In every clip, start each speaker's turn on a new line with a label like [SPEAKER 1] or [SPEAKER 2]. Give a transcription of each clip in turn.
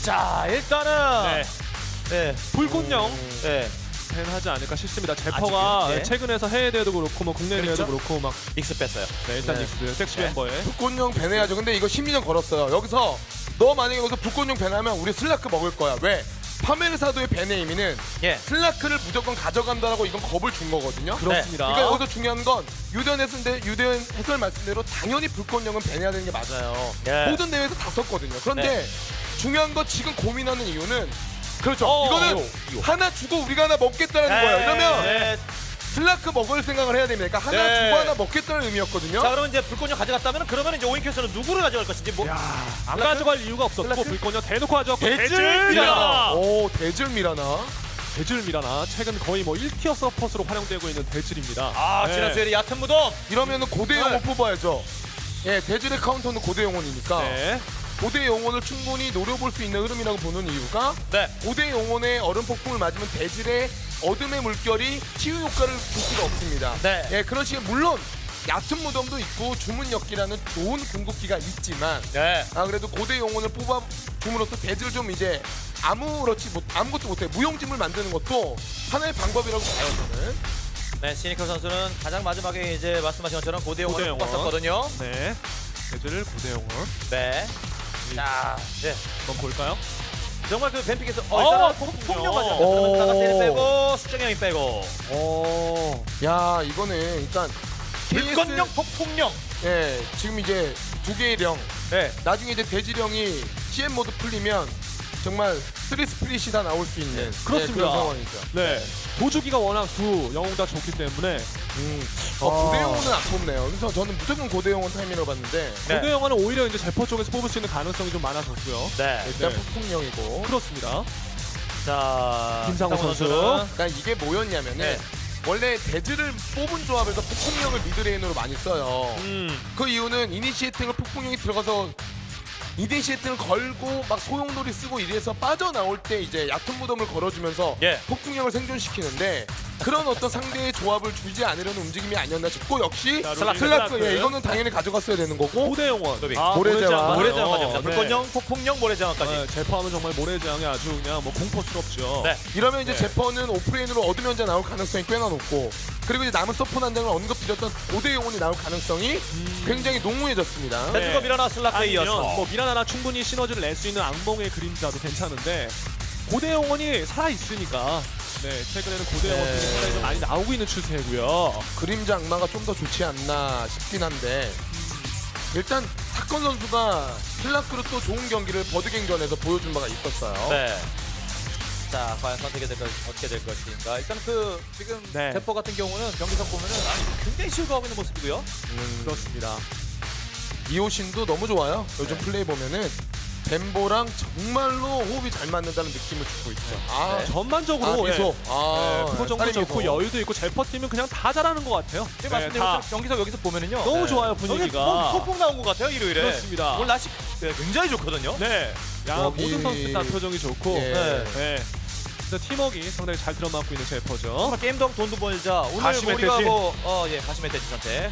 [SPEAKER 1] 자 일단은
[SPEAKER 2] 네.
[SPEAKER 1] 불꽃령
[SPEAKER 2] 네.
[SPEAKER 1] 밴하지 않을까 싶습니다. 제퍼가
[SPEAKER 2] 아직은, 네.
[SPEAKER 1] 최근에서 해외 대회도 그렇고 뭐 국내
[SPEAKER 2] 그렇죠?
[SPEAKER 1] 대회도 그렇고 막
[SPEAKER 2] 닉스 뺐어요.
[SPEAKER 1] 일단
[SPEAKER 3] 네.
[SPEAKER 1] 닉스 섹시
[SPEAKER 2] 네.
[SPEAKER 1] 멤버에
[SPEAKER 3] 불꽃용 밴해야죠. 근데 이거 심리전 걸었어요. 여기서 너 만약에 여기서 불꽃용 밴하면 우리 슬라크 먹을 거야. 왜? 파메르사도의 밴의 의미는
[SPEAKER 2] 예.
[SPEAKER 3] 슬라크를 무조건 가져간다라고 이건 겁을 준 거거든요.
[SPEAKER 1] 그렇습니다.
[SPEAKER 3] 그러니까 여기서 중요한 건 유대현 해설 말씀대로 당연히 불꽃령은 밴해야 되는 게 맞아요.
[SPEAKER 2] 예.
[SPEAKER 3] 모든 대회에서 다 썼거든요. 그런데 중요한 건 지금 고민하는 이유는 그렇죠. 이거는
[SPEAKER 2] 이거.
[SPEAKER 3] 하나 주고 우리가 하나 먹겠다는 거예요. 이러면
[SPEAKER 2] 네.
[SPEAKER 3] 슬라크 먹을 생각을 해야 됩니다. 그러니까 하나
[SPEAKER 2] 네.
[SPEAKER 3] 주고 하나 먹겠다는 의미였거든요.
[SPEAKER 2] 자 그러면 이제 불꽃령 가져갔다면 그러면 이제 오인큐에서는 누구를 가져갈 것인지 뭐.
[SPEAKER 1] 안 가져갈 이유가 없었고
[SPEAKER 3] 슬라크?
[SPEAKER 1] 불꽃령 대놓고 가져갔고
[SPEAKER 2] 대줄
[SPEAKER 1] 미라나
[SPEAKER 3] 오, 대줄 미라나.
[SPEAKER 1] 대줄 미라나 최근 거의 뭐 1티어 서폿으로 활용되고 있는 대줄입니다.
[SPEAKER 2] 아
[SPEAKER 1] 네.
[SPEAKER 2] 지난 수요일에 얕은 무덤.
[SPEAKER 3] 이러면은 고대 영혼
[SPEAKER 2] 네.
[SPEAKER 3] 뽑아야죠. 예, 대줄의 카운터는 고대 영혼이니까
[SPEAKER 1] 네.
[SPEAKER 3] 고대 영혼을 충분히 노려볼 수 있는 흐름이라고 보는 이유가
[SPEAKER 2] 네.
[SPEAKER 3] 고대 영혼의 얼음 폭풍을 맞으면 대질의 어둠의 물결이 치유 효과를 줄 수가 없습니다.
[SPEAKER 2] 네.
[SPEAKER 3] 예, 그런 식의 물론 얕은 무덤도 있고 주문역기라는 좋은 궁극기가 있지만
[SPEAKER 2] 네.
[SPEAKER 3] 그래도 고대 영혼을 뽑아 줌으로써 대질 좀 이제 아무것도 못해 무용지물 만드는 것도 하나의 방법이라고 봐요 저는.
[SPEAKER 2] 네. 시니커 선수는 가장 마지막에 이제 말씀하신 것처럼 고대용을
[SPEAKER 1] 고대용어.
[SPEAKER 2] 뽑았었거든요.
[SPEAKER 1] 네. 대줄 고대용을
[SPEAKER 2] 네. 자, 네.
[SPEAKER 1] 한번 볼까요?
[SPEAKER 2] 정말 그 뱀픽에서
[SPEAKER 1] 어,
[SPEAKER 2] 일단은
[SPEAKER 1] 폭풍령.
[SPEAKER 2] 폭력 맞아.
[SPEAKER 3] 오.
[SPEAKER 2] 그러면 나가세를 빼고 수정형이 빼고.
[SPEAKER 1] 오.
[SPEAKER 3] 야 이거는 일단
[SPEAKER 2] 불꽃령 폭풍령.
[SPEAKER 3] 예, 지금 이제 두 개의 령.
[SPEAKER 2] 네.
[SPEAKER 3] 나중에 이제 대지령이 CM 모드 풀리면 정말 3 스플릿이 다 나올 수 있는
[SPEAKER 1] 그렇습니다.
[SPEAKER 3] 그런 상황이죠.
[SPEAKER 1] 네. 도주기가 워낙 두 영웅 다 좋기 때문에
[SPEAKER 3] 고대 영혼은 안 뽑네요. 그래서 저는 무조건 고대 영혼 타이밍으로 봤는데
[SPEAKER 2] 네.
[SPEAKER 1] 고대 영화는 오히려 이제 제퍼 쪽에서 뽑을 수 있는 가능성이 좀 많아졌고요.
[SPEAKER 2] 네.
[SPEAKER 3] 일단
[SPEAKER 1] 네.
[SPEAKER 3] 폭풍령이고.
[SPEAKER 1] 그렇습니다.
[SPEAKER 2] 자,
[SPEAKER 1] 김상호 선수.
[SPEAKER 3] 그러니까 이게 뭐였냐면은
[SPEAKER 2] 네.
[SPEAKER 3] 원래 대지를 뽑은 조합에서 폭풍령을 미드레인으로 많이 써요. 그 이유는 이니시에이팅을 폭풍령이 들어가서 이니시에이팅을 걸고 막 소용돌이 쓰고 이래서 빠져나올 때 이제 얕은 무덤을 걸어주면서
[SPEAKER 2] 예.
[SPEAKER 3] 폭풍령을 생존시키는데 그런 어떤 상대의 조합을 주지 않으려는 움직임이 아니었나 싶고 역시
[SPEAKER 1] 자,
[SPEAKER 3] 슬라크 예, 이거는 당연히 가져갔어야 되는 거고
[SPEAKER 1] 고대 영원.
[SPEAKER 2] 소비.
[SPEAKER 3] 모래제왕.
[SPEAKER 2] 모래제왕 가져갑니다.
[SPEAKER 1] 네.
[SPEAKER 2] 불꽃령, 폭풍령, 모래제왕까지.
[SPEAKER 1] 네, 제퍼하면 정말 모래제왕이 아주 그냥 뭐 공포스럽죠.
[SPEAKER 2] 네.
[SPEAKER 3] 이러면 이제
[SPEAKER 1] 네.
[SPEAKER 3] 제퍼는 오프레인으로 어둠 연자 나올 가능성이 꽤나 높고 그리고 이제 남은 서포 난장을 언급드렸던 고대 영혼이 나올 가능성이 굉장히 농후해졌습니다.
[SPEAKER 1] 네.
[SPEAKER 2] 대주가 미라나 슬라크에
[SPEAKER 1] 아니면
[SPEAKER 2] 이어서.
[SPEAKER 1] 뭐 미라나나 충분히 시너지를 낼 수 있는 악몽의 그림자도 괜찮은데 고대 영혼이 살아 있으니까 네 최근에는 고대 영혼
[SPEAKER 3] 네.
[SPEAKER 1] 상당히 좀 많이 나오고 있는 추세고요.
[SPEAKER 3] 그림자 악마가 좀 더 좋지 않나 싶긴 한데 일단 사건 선수가 슬라크로 또 좋은 경기를 버드갱전에서 보여준 바가 있었어요.
[SPEAKER 2] 네. 자, 과연 선택이 어떻게 될 것인가. 일단 그 지금
[SPEAKER 1] 네.
[SPEAKER 2] 대포 같은 경우는 경기석 보면은 굉장히 즐거워하고 있는 모습이고요.
[SPEAKER 1] 그렇습니다.
[SPEAKER 3] 이호신도 너무 좋아요. 요즘
[SPEAKER 2] 네.
[SPEAKER 3] 플레이 보면은 벤보랑 정말로 호흡이 잘 맞는다는 느낌을 주고 있죠. 아,
[SPEAKER 2] 네.
[SPEAKER 1] 전반적으로
[SPEAKER 3] 미소.
[SPEAKER 1] 네, 표정도
[SPEAKER 3] 살인
[SPEAKER 1] 좋고
[SPEAKER 3] 미소.
[SPEAKER 1] 여유도 있고 제퍼 팀은 그냥 다 잘하는 것 같아요.
[SPEAKER 2] 지금
[SPEAKER 1] 네,
[SPEAKER 2] 말씀드린
[SPEAKER 1] 다
[SPEAKER 2] 것처럼 경기석 여기서 보면은요.
[SPEAKER 1] 너무
[SPEAKER 2] 네.
[SPEAKER 1] 좋아요, 분위기가.
[SPEAKER 2] 여기 뭐 소풍 나온 것 같아요 일요일에.
[SPEAKER 1] 그렇습니다.
[SPEAKER 2] 오늘 날씨 굉장히 좋거든요.
[SPEAKER 1] 네, 야
[SPEAKER 3] 여기-
[SPEAKER 1] 모든 선수들 다 표정이 좋고
[SPEAKER 3] 예.
[SPEAKER 1] 네. 네. 진짜 팀워크가 상당히 잘 들어맞고 있는 제퍼죠.
[SPEAKER 2] 정말 게임도 하고 돈도 벌자. 오늘
[SPEAKER 1] 가시멧
[SPEAKER 2] 우리가
[SPEAKER 1] 돼지.
[SPEAKER 2] 예, 가시멧 돼지 선택.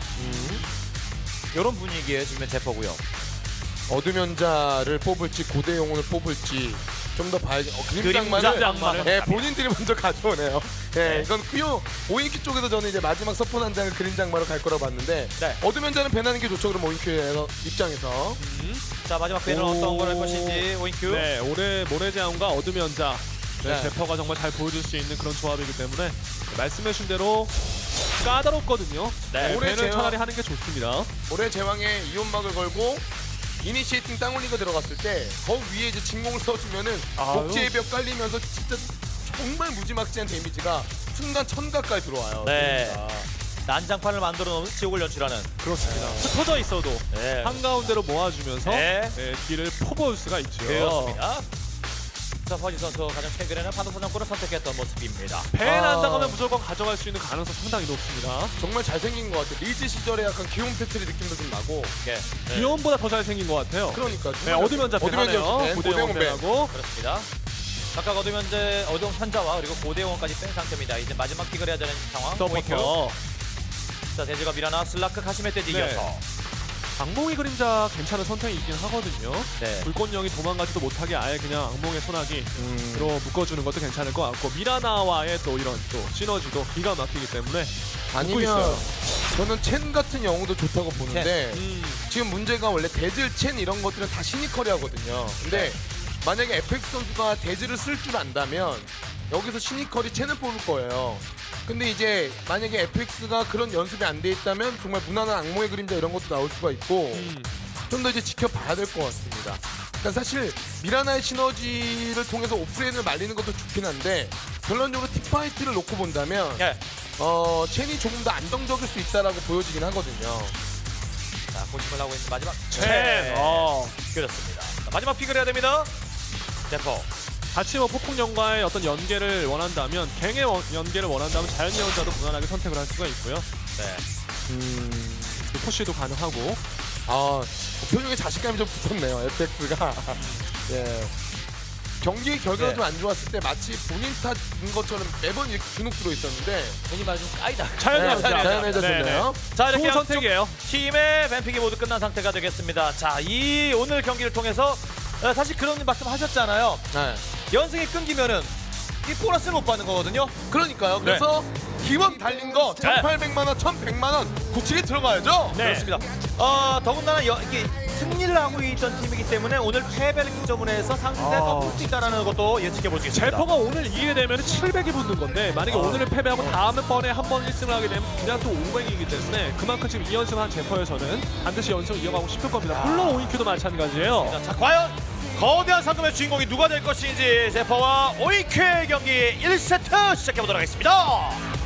[SPEAKER 2] 이런 분위기에 지금 제퍼고요.
[SPEAKER 3] 어둠 연자를 뽑을지 고대 영혼을 뽑을지 좀 더 봐야지. 그림자
[SPEAKER 2] 그림자
[SPEAKER 3] 악마를
[SPEAKER 2] 악마를.
[SPEAKER 3] 예, 본인들이 먼저 가져오네요. 예,
[SPEAKER 2] 네.
[SPEAKER 3] 이건 큐 오인큐 쪽에서 저는 이제 마지막 서포 한 장을 그림자 악마로 갈 거라고 봤는데
[SPEAKER 2] 네.
[SPEAKER 3] 어둠 연자는 배나는 게 좋죠. 그럼 오인큐의 입장에서
[SPEAKER 2] 자 마지막 배는 어떤 걸 할 것인지 오인큐.
[SPEAKER 1] 네, 올해 모래제왕과 어둠 연자 네,
[SPEAKER 3] 네.
[SPEAKER 1] 제퍼가 정말 잘 보여줄 수 있는 그런 조합이기 때문에 말씀해주신 대로 까다롭거든요.
[SPEAKER 2] 네.
[SPEAKER 1] 네, 배는
[SPEAKER 3] 제왕.
[SPEAKER 1] 차라리 하는 게 좋습니다.
[SPEAKER 3] 올해 제왕에 이온막을 걸고 이니시에이팅 땅올리가 들어갔을 때 거 위에 이제 진공을 써주면은
[SPEAKER 1] 아유.
[SPEAKER 3] 복제의 벽 깔리면서 진짜 정말 무지막지한 데미지가 순간 1000 가까이 들어와요.
[SPEAKER 2] 네. 난장판을 만들어 놓은 지옥을 연출하는.
[SPEAKER 1] 그렇습니다. 흩어져 있어도
[SPEAKER 2] 네.
[SPEAKER 1] 한가운데로 모아주면서
[SPEAKER 2] 네.
[SPEAKER 1] 뒤를 퍼부을 수가 있죠.
[SPEAKER 2] 그렇습니다. 자, 허지 선수 가장 최근에는 판도선정권을 선택했던 모습입니다.
[SPEAKER 1] 배 난다가면 무조건 가져갈 수 있는 가능성 상당히 높습니다.
[SPEAKER 3] 정말 잘생긴 것 같아요. 리즈 시절에 약간 귀여운 패트리 느낌도 좀 나고.
[SPEAKER 2] 네.
[SPEAKER 1] 기온보다 더 잘생긴 것 같아요.
[SPEAKER 3] 그러니까
[SPEAKER 1] 네, 어둠 연자
[SPEAKER 3] 어둠 연자
[SPEAKER 1] 배하네요.
[SPEAKER 3] 고대 영혼 배.
[SPEAKER 1] 고대영배하고
[SPEAKER 2] 그렇습니다. 각각 어둠 현자와 그리고 고대영원까지 뺀 상태입니다. 이제 마지막 픽을 해야 되는 상황. 오인큐.
[SPEAKER 1] 서포터.
[SPEAKER 2] 자, 대지가 미라나 슬라크 가시멧 돼지
[SPEAKER 1] 네.
[SPEAKER 2] 이어서.
[SPEAKER 1] 악몽의 그림자 괜찮은 선택이긴 하거든요.
[SPEAKER 2] 네.
[SPEAKER 1] 불꽃령이 도망가지도 못하게 아예 그냥 악몽의 소나기로 묶어주는 것도 괜찮을 것 같고 미라나와의 또 이런 또 시너지도 기가 막히기 때문에
[SPEAKER 3] 아니면
[SPEAKER 1] 있어요.
[SPEAKER 3] 저는 첸 같은 영웅도 좋다고 보는데 지금 문제가 원래 데즈, 첸 이런 것들은 다 시니컬이 하거든요. 근데 만약에 에펙스 선수가 데즈를 쓸 줄 안다면 여기서 시니컬이 첸을 뽑을 거예요. 근데 이제 만약에 에펙스가 그런 연습이 안 돼 있다면 정말 무난한 악몽의 그림자 이런 것도 나올 수가 있고 좀 더 이제 지켜봐야 될 것 같습니다. 그러니까 사실 미라나의 시너지를 통해서 오프레인을 말리는 것도 좋긴 한데 결론적으로 틱파이트를 놓고 본다면
[SPEAKER 2] 네.
[SPEAKER 3] 첸이 조금 더 안정적일 수 있다라고 보여지긴 하거든요.
[SPEAKER 2] 자, 고심을 하고 있는 마지막
[SPEAKER 1] 첸.
[SPEAKER 2] 그렇습니다. 자, 마지막 픽을 해야 됩니다. 제퍼.
[SPEAKER 1] 같이 뭐 폭풍령과의 어떤 연계를 원한다면 갱의 연계를 원한다면 자연예언자도 무난하게 선택을 할 수가 있고요.
[SPEAKER 2] 네.
[SPEAKER 1] 푸시도 가능하고
[SPEAKER 3] 표정에 자신감이 좀 붙었네요. 에펙스가. 예. 경기 결과가
[SPEAKER 2] 네.
[SPEAKER 3] 좀 안 좋았을 때 마치 본인 탓인 것처럼 매번 이렇게 주눅 들어 있었는데
[SPEAKER 2] 괜히 말좀 까이다.
[SPEAKER 1] 자연예언자.
[SPEAKER 3] 자연해졌네요.
[SPEAKER 2] 자, 이렇게
[SPEAKER 1] 좋은
[SPEAKER 2] 양쪽
[SPEAKER 1] 선택이에요.
[SPEAKER 2] 팀의 뱀픽이 모두 끝난 상태가 되겠습니다. 자, 이 오늘 경기를 통해서 사실 그런 말씀하셨잖아요.
[SPEAKER 3] 네.
[SPEAKER 2] 연승이 끊기면은 이 보너스를 못 받는 거거든요.
[SPEAKER 3] 그러니까요. 그래서 기원 달린 거 1,800만 원, 1,100만 원 굳히게 들어가야죠.
[SPEAKER 1] 네.
[SPEAKER 2] 그렇습니다. 더군다나 이게 승리를 하고 있던 팀이기 때문에 오늘 패배를 기점으로 해서 상대 더 볼 수 있다는 것도 예측해 볼 수 있습니다.
[SPEAKER 1] 제퍼가 오늘 이기게 되면 700이 붙는 건데 만약에 오늘을 패배하고 다음번에 한 번 1승을 하게 되면 그냥 또 500이기 때문에 그만큼 지금 2연승 한 제퍼에서는 반드시 연승을 이어가고 싶을 겁니다. 물론 오인큐도 마찬가지예요.
[SPEAKER 2] 자, 과연 거대한 상금의 주인공이 누가 될 것인지 제퍼와 오이큐의 경기 1세트 시작해보도록 하겠습니다.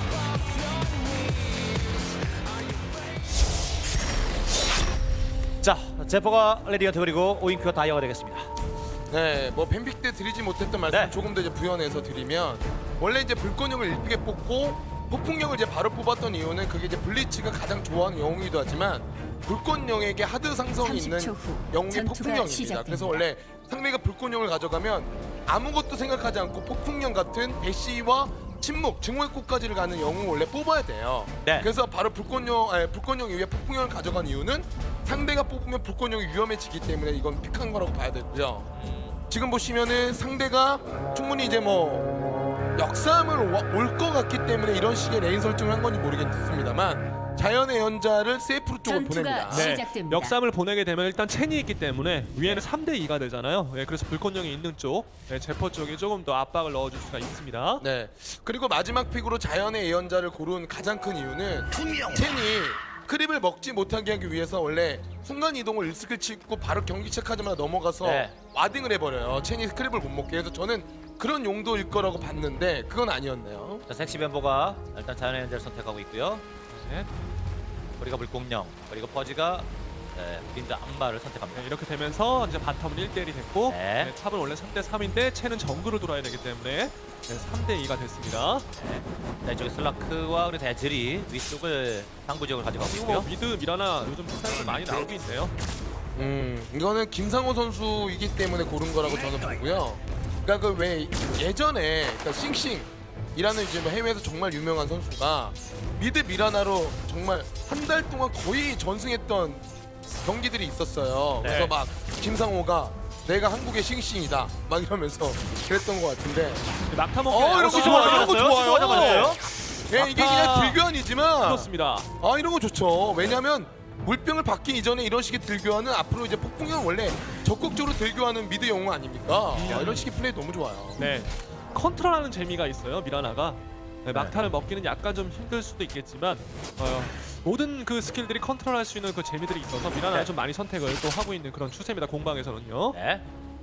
[SPEAKER 2] 자, 제퍼가 레디언트 그리고 오인큐가 다이어가 되겠습니다.
[SPEAKER 3] 네, 뭐 뱀픽 때 드리지 못했던 말씀
[SPEAKER 2] 네.
[SPEAKER 3] 조금 더 이제 부연해서 드리면 원래 이제 불꽃령을 일찍게 뽑고 폭풍령을 이제 바로 뽑았던 이유는 그게 이제 블리츠가 가장 좋아하는 영웅이기도 하지만 불꽃령에게 하드 상성이 있는
[SPEAKER 4] 30초 후
[SPEAKER 3] 영웅이
[SPEAKER 4] 전투가
[SPEAKER 3] 폭풍령입니다.
[SPEAKER 4] 시작됩니다.
[SPEAKER 3] 그래서 원래 상대가 불꽃령을 가져가면 아무것도 생각하지 않고 폭풍령 같은 대시와 침묵, 증오의 꽃까지를 가는 영웅을 원래 뽑아야 돼요.
[SPEAKER 2] 네.
[SPEAKER 3] 그래서 바로 불꽃령 이후에 폭풍령을 가져간 이유는 상대가 뽑으면 불꽃령이 위험해지기 때문에 이건 픽한 거라고 봐야 되고요. 지금 보시면은 상대가 충분히 이제 뭐 역삼을 올 것 같기 때문에 이런 식의 레인 설정을 한 건지 모르겠습니다만 자연의 연자를 세이프로 쪽으로
[SPEAKER 4] 전투가
[SPEAKER 3] 보냅니다.
[SPEAKER 4] 네. 시작됩니다.
[SPEAKER 1] 역삼을 보내게 되면 일단 첸이 있기 때문에 위에는 3대2가 되잖아요. 그래서 불꽃령이 있는 쪽, 제퍼 쪽에 조금 더 압박을 넣어줄 수가 있습니다.
[SPEAKER 3] 네. 그리고 마지막 픽으로 자연의 예언자를 고른 가장 큰 이유는 첸이 크립을 먹지 못하게 하기 위해서 원래 순간 이동을 1스킬 치고 바로 경기 시작하자마자 넘어가서
[SPEAKER 2] 네.
[SPEAKER 3] 와딩을 해버려요. 첸이 크립을 못 먹게 해서 저는 그런 용도일 거라고 봤는데 그건 아니었네요.
[SPEAKER 2] 자, 섹시 뱀보가 일단 자연의 연재를 선택하고 있고요.
[SPEAKER 1] 네.
[SPEAKER 2] 우리가 물공룡 그리고 퍼지가 그림자 안마를 선택합니다.
[SPEAKER 1] 이렇게 되면서 이제 바텀은 1대1이 됐고
[SPEAKER 2] 네.
[SPEAKER 1] 탑은 원래 3대3인데 첸은 정글을 돌아야 되기 때문에 3대2가 됐습니다.
[SPEAKER 2] 자, 이쪽에 슬라크와 그리고 대즐이 위쪽을 상부 지역을 가져가고
[SPEAKER 1] 그리고
[SPEAKER 2] 있고요.
[SPEAKER 1] 뭐 미드 미라나 요즘 스타일이 많이 나오고 있네요.
[SPEAKER 3] 이거는 김상호 선수이기 때문에 고른 거라고 저는 보고요. 그러니까 그 왜 예전에 그러니까 싱싱이라는 이제 뭐 해외에서 정말 유명한 선수가 미드 미라나로 정말 한 달 동안 거의 전승했던 경기들이 있었어요.
[SPEAKER 2] 네.
[SPEAKER 3] 그래서 막 김상호가 내가 한국의 싱싱이다 막 이러면서 그랬던 것 같은데
[SPEAKER 1] 낙타 먹기
[SPEAKER 3] 이런 거 좋아요. 이런 거 좋아요.
[SPEAKER 2] 맞았어요.
[SPEAKER 3] 예, 이게 그냥 들교환이지만
[SPEAKER 1] 그렇습니다.
[SPEAKER 3] 이런 거 좋죠. 왜냐면 물병을 받기 이전에 이런 식의 들교환은 앞으로 이제 폭풍형 원래 적극적으로 들교하는 미드 영웅 아닙니까? 이런 식의 플레이 너무 좋아요.
[SPEAKER 1] 네, 컨트롤하는 재미가 있어요 미라나가. 막타를 먹기는 약간 좀 힘들 수도 있겠지만 모든 그 스킬들이 컨트롤할 수 있는 그 재미들이 있어서 미라나가
[SPEAKER 2] 네.
[SPEAKER 1] 좀 많이 선택을 또 하고 있는 그런 추세입니다 공방에서는요.
[SPEAKER 2] 네.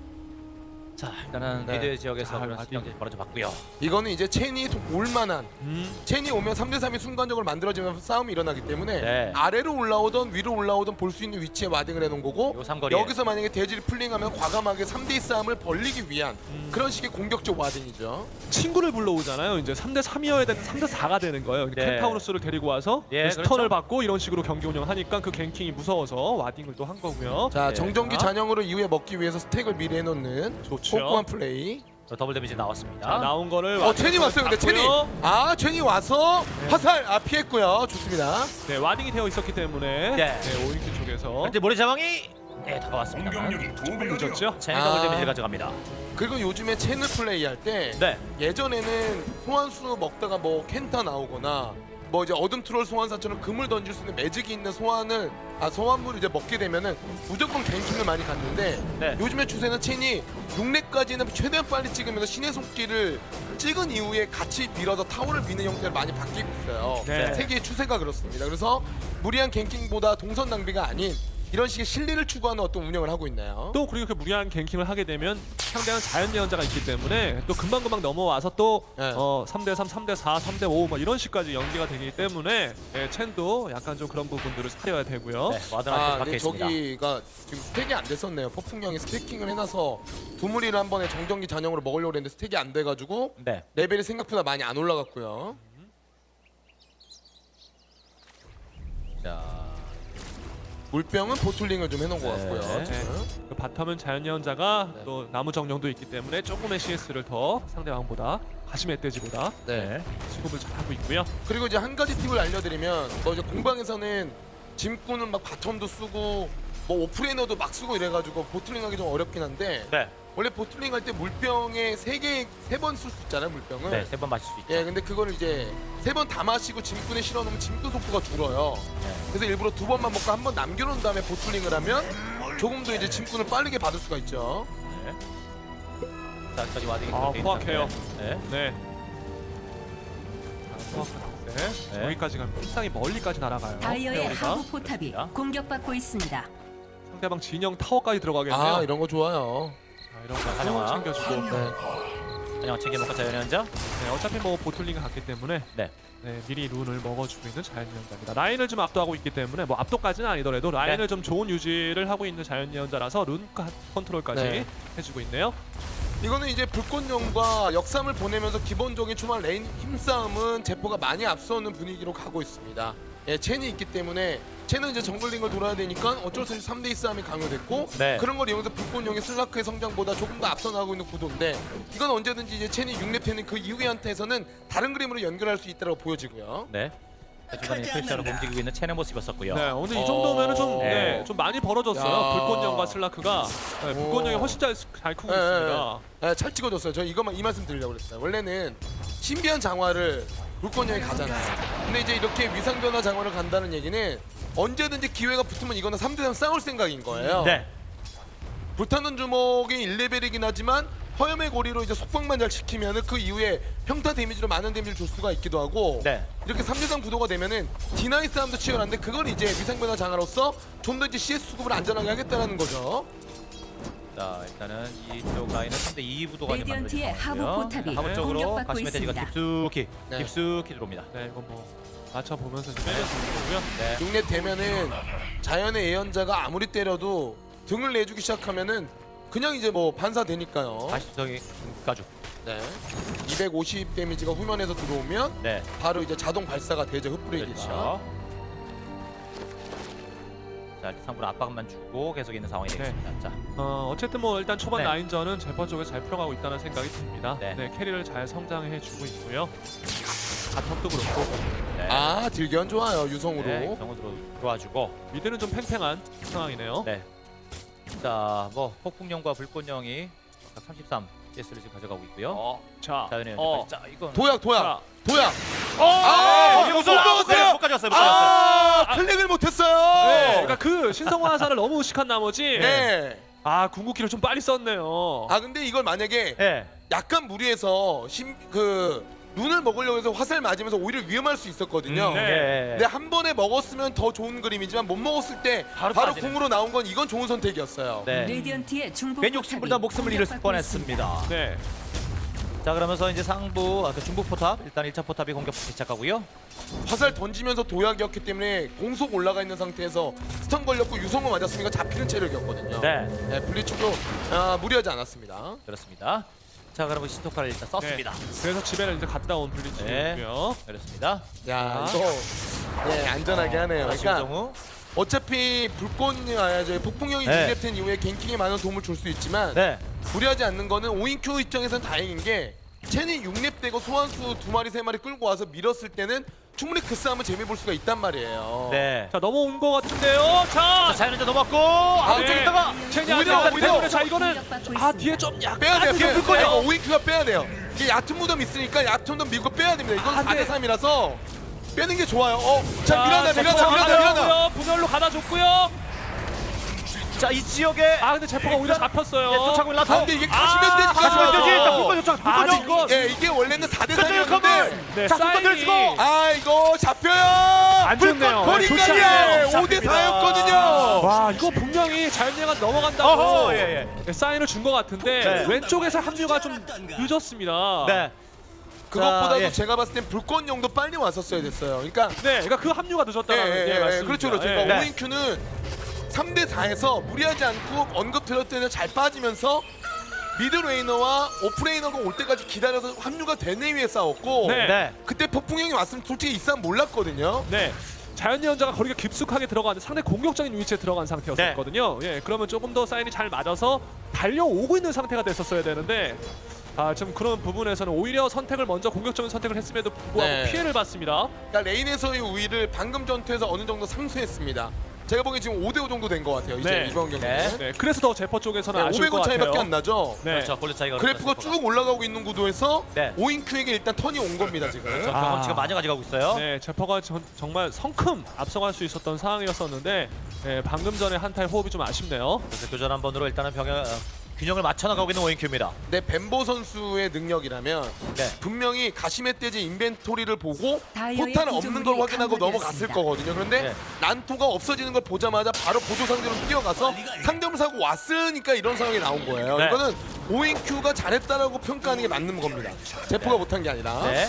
[SPEAKER 2] 자, 일단은
[SPEAKER 3] 네.
[SPEAKER 2] 미드 지역에서
[SPEAKER 1] 자,
[SPEAKER 2] 그런
[SPEAKER 1] 마디.
[SPEAKER 2] 경기 벌어져 봤고요.
[SPEAKER 3] 이거는 이제 첸이 올만한 첸이 오면 3대3이 순간적으로 만들어지면서 싸움이 일어나기 때문에
[SPEAKER 2] 네.
[SPEAKER 3] 아래로 올라오던 위로 올라오던 볼 수 있는 위치에 와딩을 해놓은 거고
[SPEAKER 2] 요 삼거리에.
[SPEAKER 3] 여기서 만약에 대지를 풀링하면 과감하게 3대2 싸움을 벌리기 위한 그런 식의 공격적 와딩이죠.
[SPEAKER 1] 친구를 불러오잖아요. 이제 3대3이어야 되는 3대4가 되는 거예요.
[SPEAKER 2] 네.
[SPEAKER 1] 켄타우로스를 데리고 와서
[SPEAKER 2] 예,
[SPEAKER 1] 스턴을
[SPEAKER 2] 그렇죠.
[SPEAKER 1] 받고 이런 식으로 경기 운영하니까 그 갱킹이 무서워서 와딩을 또 한 거고요.
[SPEAKER 3] 자
[SPEAKER 2] 네.
[SPEAKER 3] 정전기 잔영으로 이후에 먹기 위해서 스택을 미리 해놓는
[SPEAKER 1] 좋죠.
[SPEAKER 3] 꼼꼼한 플레이.
[SPEAKER 2] 저 더블 데미지 나왔습니다.
[SPEAKER 1] 자, 나온 거를
[SPEAKER 3] 첸이 왔어요. 근데 첸이 첸이 와서 화살 피했고요. 좋습니다.
[SPEAKER 1] 네, 와딩이 되어 있었기 때문에
[SPEAKER 2] 네.
[SPEAKER 1] 오인큐 쪽에서 그렇죠.
[SPEAKER 2] 현재 모래 자왕이 다가왔습니다.
[SPEAKER 1] 조금 늦었죠.
[SPEAKER 2] 체인 더블 데미지를 가져갑니다.
[SPEAKER 3] 그리고 요즘에 채널 플레이 할 때
[SPEAKER 2] 네.
[SPEAKER 3] 예전에는 소환수 먹다가 뭐 켄타 나오거나 뭐 이제 어둠 트롤 소환사처럼 금을 던질 수 있는 매직이 있는 소환물을 이제 먹게 되면은 무조건 갱킹을 많이 갔는데
[SPEAKER 2] 네.
[SPEAKER 3] 요즘의 추세는 첸이 6렙까지는 최대한 빨리 찍으면서 신의 속기를 찍은 이후에 같이 밀어서 타워를 미는 형태로 많이 바뀌고 있어요.
[SPEAKER 1] 네.
[SPEAKER 3] 세계의 추세가 그렇습니다. 그래서 무리한 갱킹보다 동선 낭비가 아닌 이런 식의 실리를 추구하는 어떤 운영을 하고 있나요?
[SPEAKER 1] 또 그리고 그 무리한 갱킹을 하게 되면 상대는 자연 예언자가 있기 때문에 또 금방금방 넘어와서 또
[SPEAKER 3] 네.
[SPEAKER 1] 3대3, 3대4, 3대5 뭐 이런 식까지 연기가 되기 때문에 첸도 약간 좀 그런 부분들을 살려야 되고요.
[SPEAKER 2] 네. 와드한테 박혀
[SPEAKER 3] 근데
[SPEAKER 2] 있습니다.
[SPEAKER 3] 저기가 지금 스택이 안 됐었네요. 폭풍형이 스태킹을 해놔서 두 무리를 한 번에 정전기 잔영으로 먹으려고 했는데 스택이 안 돼가지고
[SPEAKER 2] 네.
[SPEAKER 3] 레벨이 생각보다 많이 안 올라갔고요.
[SPEAKER 2] 자.
[SPEAKER 3] 물병은 보툴링을 좀 해놓은 것
[SPEAKER 2] 네.
[SPEAKER 3] 같고요.
[SPEAKER 1] 네.
[SPEAKER 3] 지금.
[SPEAKER 1] 그 바텀은 자연 예언자가
[SPEAKER 3] 네.
[SPEAKER 1] 또 나무 정령도 있기 때문에 조금의 CS를 더 상대방보다 가시멧 돼지보다
[SPEAKER 3] 네.
[SPEAKER 1] 수급을 잘 하고 있고요.
[SPEAKER 3] 그리고 이제 한 가지 팁을 알려드리면 뭐 이제 공방에서는 짐꾼은 막 바텀도 쓰고 뭐 오프레이너도 막 쓰고 이래가지고 보툴링하기 좀 어렵긴 한데
[SPEAKER 2] 네.
[SPEAKER 3] 원래 보툴링 할 때 물병에 세 번 쓸 수 있잖아요. 물병을.
[SPEAKER 2] 네. 3번 마실 수 있죠.
[SPEAKER 3] 예, 근데 그거를 이제 세 번 다 마시고 짐꾼에 실어 놓으면 짐꾼 속도가 줄어요.
[SPEAKER 2] 네.
[SPEAKER 3] 그래서 일부러 두 번만 먹고 한 번 남겨놓은 다음에 보툴링을 하면 조금 더 이제 짐꾼을 빠르게 받을 수가 있죠.
[SPEAKER 2] 네. 자, 여기까지 와딩이
[SPEAKER 1] 포악해요.
[SPEAKER 2] 네.
[SPEAKER 1] 네. 네. 여기까지 가면 상당히 멀리까지 날아가요.
[SPEAKER 4] 다이어의
[SPEAKER 1] 페어리가.
[SPEAKER 4] 하부 포탑이
[SPEAKER 2] 그렇습니다.
[SPEAKER 4] 공격받고 있습니다.
[SPEAKER 1] 상대방 진영 타워까지 들어가겠네요.
[SPEAKER 3] 아, 이런 거 좋아요.
[SPEAKER 1] 자, 이런 거
[SPEAKER 2] 환영아.
[SPEAKER 1] 챙겨주고.
[SPEAKER 3] 네.
[SPEAKER 2] 그냥 챙겨먹고 자연 연자.
[SPEAKER 1] 네, 어차피 뭐 보툴링이 갔기 때문에
[SPEAKER 2] 네.
[SPEAKER 1] 네, 미리 룬을 먹어주고 있는 자연 예언자입니다. 라인을 좀 압도하고 있기 때문에 뭐 압도까지는 아니더라도 라인을
[SPEAKER 2] 네.
[SPEAKER 1] 좀 좋은 유지를 하고 있는 자연 예언자라서 룬 컨트롤까지
[SPEAKER 3] 네.
[SPEAKER 1] 해주고 있네요.
[SPEAKER 3] 이거는 이제 불꽃령과 역삼을 보내면서 기본적인 초반 레인 힘싸움은 제포가 많이 앞서는 분위기로 가고 있습니다. 예, 첸이 있기 때문에 첸은 이제 정글링을 돌아야 되니까 어쩔 수 없이 3대2 싸움이 강요됐고
[SPEAKER 2] 네.
[SPEAKER 3] 그런 걸 이용해서 불꽃령이 슬라크의 성장보다 조금 더 앞서 나가고 있는 구도인데 이건 언제든지 이제 첸이 6렙 되는 그 이후의 한타에서는 다른 그림으로 연결할 수 있다고 보여지고요.
[SPEAKER 2] 네. 중간에 프레셔로 움직이고 있는 체는 모습이었었고요.
[SPEAKER 1] 네, 오늘 이 정도면은 좀,
[SPEAKER 2] 네.
[SPEAKER 1] 네, 좀 많이 벌어졌어요.
[SPEAKER 3] 야.
[SPEAKER 1] 불꽃령과 슬라크가 네, 불꽃령이 훨씬 잘 크고
[SPEAKER 3] 네,
[SPEAKER 1] 있습니다.
[SPEAKER 3] 네, 잘 찍어줬어요. 저 이것만 이 말씀 드리려고 그랬어요. 원래는 신비한 장화를 불꽃령이 가잖아요. 근데 이제 이렇게 위상변화 장화를 간다는 얘기는 언제든지 기회가 붙으면 이거는 3대3 싸울 생각인 거예요.
[SPEAKER 2] 네.
[SPEAKER 3] 불타는 주먹이 1레벨이긴 하지만 허염의 고리로 이제 속박만 잘 시키면은 그 이후에 평타 데미지로 많은 데미지를 줄 수가 있기도 하고
[SPEAKER 2] 네.
[SPEAKER 3] 이렇게 3대3 구도가 되면은 디나이 싸움도 치열한데 그걸 이제 위상변화 장화로서 좀 더 이제 CS 수급을 안전하게 하겠다는 거죠.
[SPEAKER 2] 자, 일단은 이쪽 라인은 3대2 구도가
[SPEAKER 4] 레디언트의 하부 포탑이
[SPEAKER 2] 하부 쪽으로
[SPEAKER 4] 공격받고
[SPEAKER 2] 가시면 돼지가
[SPEAKER 4] 있습니다.
[SPEAKER 2] 깊숙이
[SPEAKER 3] 네.
[SPEAKER 2] 깊숙이 들어옵니다.
[SPEAKER 1] 네, 이건 뭐 맞춰보면서 좀 빼려주는 거고요.
[SPEAKER 2] 네.
[SPEAKER 3] 6렙 되면은 자연의 예언자가 아무리 때려도 등을 내주기 시작하면은 그냥 이제 뭐 반사되니까요.
[SPEAKER 2] 가시적인 가죽.
[SPEAKER 3] 네. 250 데미지가 후면에서 들어오면
[SPEAKER 2] 네.
[SPEAKER 3] 바로 이제 자동 발사가 되죠. 흡브레이크가.
[SPEAKER 2] 그렇죠. 자, 일단 상부로 압박만 주고 계속 있는 상황이
[SPEAKER 1] 네.
[SPEAKER 2] 되겠습니다. 자,
[SPEAKER 1] 어쨌든 뭐 일단 초반
[SPEAKER 2] 네.
[SPEAKER 1] 라인전은 제퍼 쪽에 잘 풀어가고 있다는 생각이 듭니다.
[SPEAKER 2] 네.
[SPEAKER 1] 네, 캐리를 잘 성장해주고 있고요. 바텀도 그렇고
[SPEAKER 2] 네.
[SPEAKER 3] 아, 딜견 좋아요. 유성으로.
[SPEAKER 2] 네, 정으로 들어와주고.
[SPEAKER 1] 미드는 좀 팽팽한 상황이네요.
[SPEAKER 2] 네. 자, 뭐 폭풍령과 불꽃령이 33 CS를 지금 가져가고 있고요.
[SPEAKER 1] 자,
[SPEAKER 2] 자연의
[SPEAKER 1] 어.
[SPEAKER 2] 연결까지. 자, 이건
[SPEAKER 3] 도약.
[SPEAKER 1] 자,
[SPEAKER 3] 아,
[SPEAKER 2] 네,
[SPEAKER 3] 못 먹었어요.
[SPEAKER 2] 못 가져왔어요. 못 가져왔어요.
[SPEAKER 3] 아, 클릭을 못했어요.
[SPEAKER 1] 네, 그러니까 그 신성화 화살을 너무 의식한 나머지
[SPEAKER 3] 네.
[SPEAKER 1] 아 궁극기를 좀 빨리 썼네요.
[SPEAKER 3] 아, 근데 이걸 만약에
[SPEAKER 2] 네.
[SPEAKER 3] 약간 무리해서 눈을 먹으려고 해서 화살 맞으면서 오히려 위험할 수 있었거든요.
[SPEAKER 1] 네.
[SPEAKER 3] 근데 한 번에 먹었으면 더 좋은 그림이지만 못 먹었을 때
[SPEAKER 2] 바로
[SPEAKER 3] 바로
[SPEAKER 2] 빠지는.
[SPEAKER 3] 궁으로 나온 건 이건 좋은 선택이었어요.
[SPEAKER 2] 네.
[SPEAKER 4] 레디언트의 중부
[SPEAKER 2] 괜히
[SPEAKER 4] 포탑이
[SPEAKER 2] 욕심부리다 목숨을 잃을
[SPEAKER 4] 공격받고 있습니다.
[SPEAKER 2] 뻔했습니다.
[SPEAKER 1] 네,
[SPEAKER 2] 자, 그러면서 이제 상부 그 중부 포탑 일단 1차 포탑이 공격부터 시작하고요.
[SPEAKER 3] 화살 던지면서 도약이었기 때문에 공속 올라가 있는 상태에서 스턴 걸렸고 유성을 맞았으니까 잡히는 체력이었거든요.
[SPEAKER 2] 네,
[SPEAKER 3] 네, 블리츠도 무리하지 않았습니다.
[SPEAKER 2] 그렇습니다. 자, 그러면 신토카를 일단 썼습니다.
[SPEAKER 1] 그래서 집에를 이제 갔다 온 블리츠고요.
[SPEAKER 2] 그렇습니다.
[SPEAKER 3] 야, 이거 안전하게 하네요.
[SPEAKER 2] 다시
[SPEAKER 3] 그러니까
[SPEAKER 2] 유정우.
[SPEAKER 3] 어차피 폭풍형이
[SPEAKER 2] 네.
[SPEAKER 3] 유랩된 이후에 갱킹에 많은 도움을 줄 수 있지만
[SPEAKER 2] 네.
[SPEAKER 3] 무리하지 않는 거는 오인큐 입장에서는 다행인 게 첸이 6렙 되고 소환수 2마리 3마리 끌고 와서 밀었을 때는 충분히 그 싸움은 재미 볼 수가 있단 말이에요.
[SPEAKER 2] 네.
[SPEAKER 1] 자 넘어온 것 같은데요.
[SPEAKER 2] 자,
[SPEAKER 1] 자,
[SPEAKER 2] 자연현재 넘어갔고 앞쪽에 있다가
[SPEAKER 1] 체니
[SPEAKER 3] 오히려,
[SPEAKER 1] 아니야.
[SPEAKER 3] 오히려.
[SPEAKER 1] 때문에 자 이거는
[SPEAKER 4] 공격받고
[SPEAKER 1] 아
[SPEAKER 4] 있습니다.
[SPEAKER 1] 뒤에 좀 약간
[SPEAKER 3] 빼야 돼요.
[SPEAKER 1] 좀 불 거예요.
[SPEAKER 3] 오인큐가 빼야 돼요. 이게 얕은 무덤 있으니까 얕은 무덤 밀고 빼야 됩니다. 이건
[SPEAKER 1] 아, 네.
[SPEAKER 3] 4대 3이라서 빼는 게 좋아요. 자, 밀어내.
[SPEAKER 1] 분열로 가다줬고요.
[SPEAKER 2] 자, 이 지역에
[SPEAKER 1] 아 근데 제퍼가 오히려 잡혔어요.
[SPEAKER 2] 네, 쫓아오고 있는 라토.
[SPEAKER 3] 아, 근데 이게 가시면 되지.
[SPEAKER 2] 가시면 되지. 자,
[SPEAKER 3] 가시면
[SPEAKER 2] 불꽃 요청. 불꽃
[SPEAKER 1] 아직
[SPEAKER 2] 요청.
[SPEAKER 1] 이건
[SPEAKER 3] 예, 이게 원래는 4대
[SPEAKER 2] 끝내요,
[SPEAKER 3] 3이었는데
[SPEAKER 1] 네,
[SPEAKER 2] 자, 불꽃
[SPEAKER 1] 사인이
[SPEAKER 2] 들치고.
[SPEAKER 3] 아, 이거 잡혀요.
[SPEAKER 1] 안 좋네요. 좋지
[SPEAKER 3] 거리까지
[SPEAKER 1] 않네요.
[SPEAKER 3] 5대 4였거든요.
[SPEAKER 1] 와 이거 분명히 자연예가 넘어간다고
[SPEAKER 2] 어허, 예,
[SPEAKER 1] 사인을 준 것 같은데
[SPEAKER 2] 네.
[SPEAKER 1] 왼쪽에서 합류가 좀 늦었습니다.
[SPEAKER 2] 네.
[SPEAKER 3] 그것보다도
[SPEAKER 2] 자, 예.
[SPEAKER 3] 제가 봤을 땐 불꽃용도 빨리 왔었어야 됐어요. 그러니까
[SPEAKER 1] 네, 그러니까 그 합류가 늦었다는 게 말씀입니다.
[SPEAKER 3] 그렇죠, 그렇죠.
[SPEAKER 1] 예.
[SPEAKER 3] 그러니까
[SPEAKER 2] 네.
[SPEAKER 3] 오인큐는 3대 4에서 무리하지 않고 언급 들을 때는 잘 빠지면서 미드레이너와 오프레이너가 올 때까지 기다려서 합류가 된 이후에 싸웠고
[SPEAKER 1] 네.
[SPEAKER 2] 네.
[SPEAKER 3] 그때 폭풍형이 왔으면 솔직히 이 싸움 몰랐거든요.
[SPEAKER 1] 네. 자연예 연자가 거리가 깊숙하게 들어가는데 상당히 공격적인 위치에 들어간 상태였었거든요. 예, 그러면 조금 더 사인이 잘 맞아서 달려오고 있는 상태가 됐었어야 되는데 좀 그런 부분에서는 오히려 선택을 먼저 공격적인 선택을 했음에도 불구하고
[SPEAKER 3] 네.
[SPEAKER 1] 피해를 봤습니다.
[SPEAKER 3] 그러니까 레인에서의 우위를 방금 전투에서 어느 정도 상쇄했습니다. 제가 보기엔 지금 5대5 정도 된 것 같아요. 이제
[SPEAKER 1] 네.
[SPEAKER 3] 이번 경기는.
[SPEAKER 1] 네, 그래서 더 제퍼 쪽에서는 아쉬울 것
[SPEAKER 3] 500원
[SPEAKER 1] 같아요.
[SPEAKER 3] 차이밖에 안 나죠.
[SPEAKER 1] 네.
[SPEAKER 2] 그렇죠. 골 차이가
[SPEAKER 3] 그래프가
[SPEAKER 2] 그렇죠.
[SPEAKER 3] 쭉 올라가고 있는 구도에서
[SPEAKER 2] 네.
[SPEAKER 3] 오인큐에게 일단 턴이 온 겁니다 지금.
[SPEAKER 2] 경험치가 많이 가져가고 있어요.
[SPEAKER 1] 네, 제퍼가 정말 성큼 앞서갈 수 있었던 상황이었었는데 방금 전에 한타의 호흡이 좀 아쉽네요.
[SPEAKER 2] 그래서 교전 한 번으로 일단은 균형을 맞춰 나가고 있는 오인큐입니다.
[SPEAKER 3] 네, 벤보 선수의 능력이라면
[SPEAKER 2] 네.
[SPEAKER 3] 분명히 가시멧돼지 인벤토리를 보고
[SPEAKER 4] 다이어의
[SPEAKER 3] 포탄 없는 걸
[SPEAKER 4] 구조물이
[SPEAKER 3] 확인하고 넘어갔을
[SPEAKER 4] 강화되었습니다.
[SPEAKER 3] 거거든요. 그런데
[SPEAKER 2] 네.
[SPEAKER 3] 난토가 없어지는 걸 보자마자 바로 보조 상대로 뛰어가서 상점을 사고 왔으니까 이런 상황이 나온 거예요.
[SPEAKER 2] 네.
[SPEAKER 3] 이거는 오인큐가 잘했다라고 평가하는 게 맞는 겁니다. 제프가 못한 게 아니라.
[SPEAKER 2] 네.